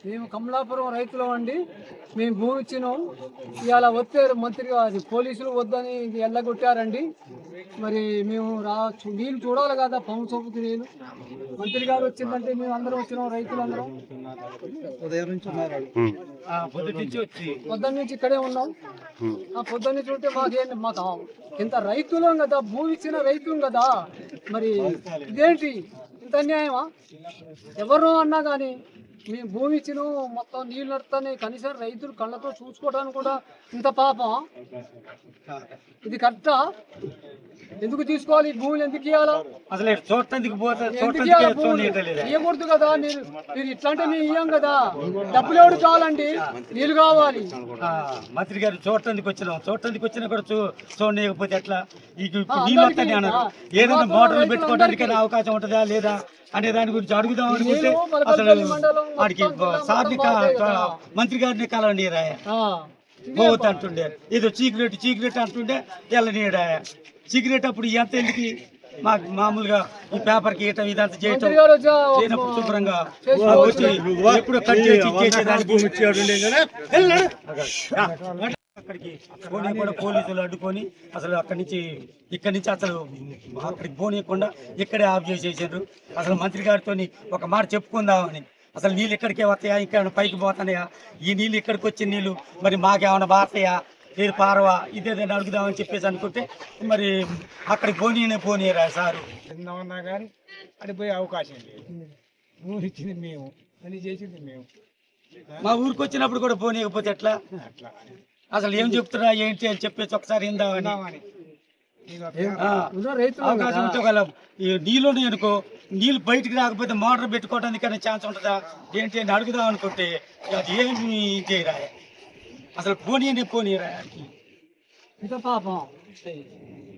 మేము కమలాపురం రైతులం అండి. మేము భూమి ఇచ్చినాం. ఇవాళ వచ్చారు మంత్రి అది పోలీసులు వద్దని ఎల్లగొట్టారండి. మరి మేము నీళ్ళు చూడాలి కదా, పంపు సోపుకి నీళ్ళు. మంత్రి గారు వచ్చిందంటే మేము అందరం వచ్చినాం, రైతులందరం పొద్దున్న నుంచి ఇక్కడే ఉన్నాం. ఆ పొద్దున్న నుంచి ఉంటే మాకు ఇంత రైతులం కదా, భూమి ఇచ్చిన రైతులం కదా, మరి ఇదేంటి ఇంత అన్యాయమా? ఎవరు అన్నా కానీ మేము భూమి ఇచ్చిన మొత్తం నీళ్ళు నడుస్తాయి, కనీసం రైతులు కళ్ళతో చూసుకోవడానికి కూడా ఇంత పాపం. ఇది కరెక్టా? ఎందుకు తీసుకోవాలి భూములు? ఎందుకు ఇవ్వాలా? అసలు ఇవ్వకూడదు కదా. మీరు ఇట్లా అంటే మేము ఇవ్వం కదా. డబ్బులు ఎవరు కావాలండి? నీళ్ళు కావాలి. మంత్రి గారు చూడటానికి వచ్చినా కూడా చూడలేకపోతే ఎట్లా? నీళ్ళు వస్తాయి అన్నారు. ఏదైనా మోటార్లు పెట్టుకోవడానికి అవకాశం ఉంటుందా లేదా అనే దాని గురించి అడుగుదాం అనుకుంటే అసలు వాడికి సార్ని మంత్రి గారిని కలండి పోవద్దు అంటుండే, ఏదో చీకరెట్ అంటుండే తెల్లనీడా సిగరెట్. అప్పుడు ఎంత ఎందుకు మామూలుగా ఈ పేపర్కి ఇయటం ఇదంతా చేయటం చేయనప్పుడు శుభ్రంగా వచ్చి ఎప్పుడు కట్ చేసేదానికి అక్కడికి పోనీ కూడా పోలీసులు అడ్డుకొని అసలు ఇక్కడి నుంచి అసలు అక్కడికి పోనీయకుండా ఇక్కడే ఆఫ్ చేసేసారు. అసలు మంత్రి గారితో ఒక మాట చెప్పుకుందామని, అసలు నీళ్ళు ఇక్కడికే వస్తాయా, ఇంకేమైనా పైకి పోతాయా, ఈ నీళ్ళు ఇక్కడికి వచ్చిన నీళ్ళు మరి మాకేమైనా బారతాయా, లేదు పారవా, ఇదేదైనా అడుగుదామని చెప్పేసి అనుకుంటే మరి అక్కడికి పోనీయరా సారు తిందామన్నా కానీ అది పోయే అవకాశం లేదు. ఊరు ఇచ్చింది మేము, అని చేసింది మేము. మా ఊరికి వచ్చినప్పుడు కూడా పోనీయకపోతే ఎట్లా? అట్లా అసలు ఏం చెప్తున్నా ఏంటి అని చెప్పేసి ఒకసారి ఇందామని అవకాశం ఉంటే ఒకవేళ నీళ్ళని అనుకో, నీళ్ళు బయటికి రాకపోతే మోటార్ పెట్టుకోవడానికి అనే ఛాన్స్ ఉంటుందా ఏంటి అని అడుగుదాం అనుకుంటే అది ఏమి చేయరా? అసలు పోనీయరా ఇంత పాపం.